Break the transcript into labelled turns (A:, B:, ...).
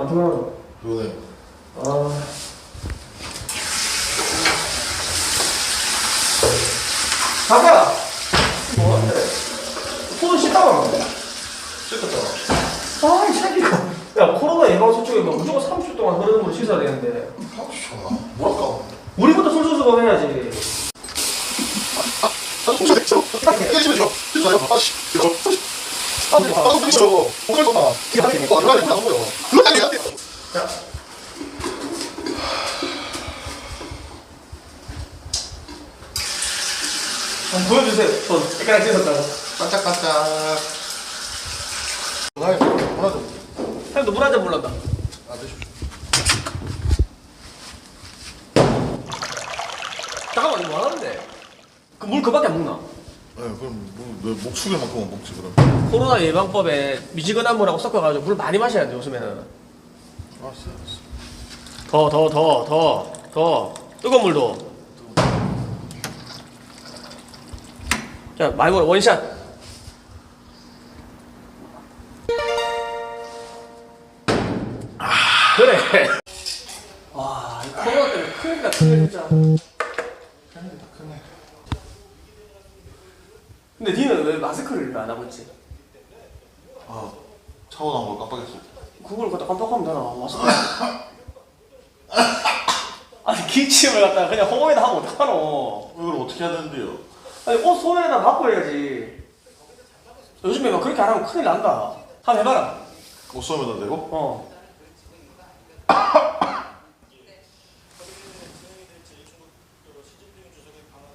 A: 피곤하다.
B: 피곤해.
A: 아. 가자! 뭐하는데? 손을 씻다가 나온다.
B: 씻었잖아.
A: 아, 이 새끼가. 야, 코로나 예방수칙에 뭐 무조건 30초 동안 흐르는 물을 씻어야 되는데.
B: 30초나. 뭐랄까?
A: 우리부터 솔솔솔 해야지. 자. 한번 보여주세요. 손 깨끗하게 씻었다고.
B: 반짝반짝. 하나 좀.
A: 형도 물 한 잔 몰란다.
B: 아, 드십시오.
A: 잠깐만, 이거 뭐 하는데? 그 물 그밖에 안 먹나?
B: 네, 그럼 뭐, 목축에만큼만 먹지 그럼.
A: 코로나 예방법에 미지근한 물하고 섞어가지고 물 많이 마셔야 돼, 요즘에는.
B: 알았어, 알았어.
A: 더. 뜨거운 물도. 자, 많이 먹어. 원샷. 그래. 와, 이 코로나 때문에 큰일이다, 큰일 진짜.
B: 크네.
A: 근데 니는 왜 마스크를 안 하고 있지?
B: 아, 차고 나온 걸 깜빡했어.
A: 그걸 갖다 깜빡하면 되나? 마스크. 아니, 기침을 갖다가 그냥 허공에다 하면 어떡하노?
B: 이걸 어떻게 해야 되는데요?
A: 아니, 옷 소매에다 받고 해야지. 요즘에 막 그렇게 안 하면 큰일 난다. 한번 해봐라.
B: 옷 쏘면다 대고?
A: 어.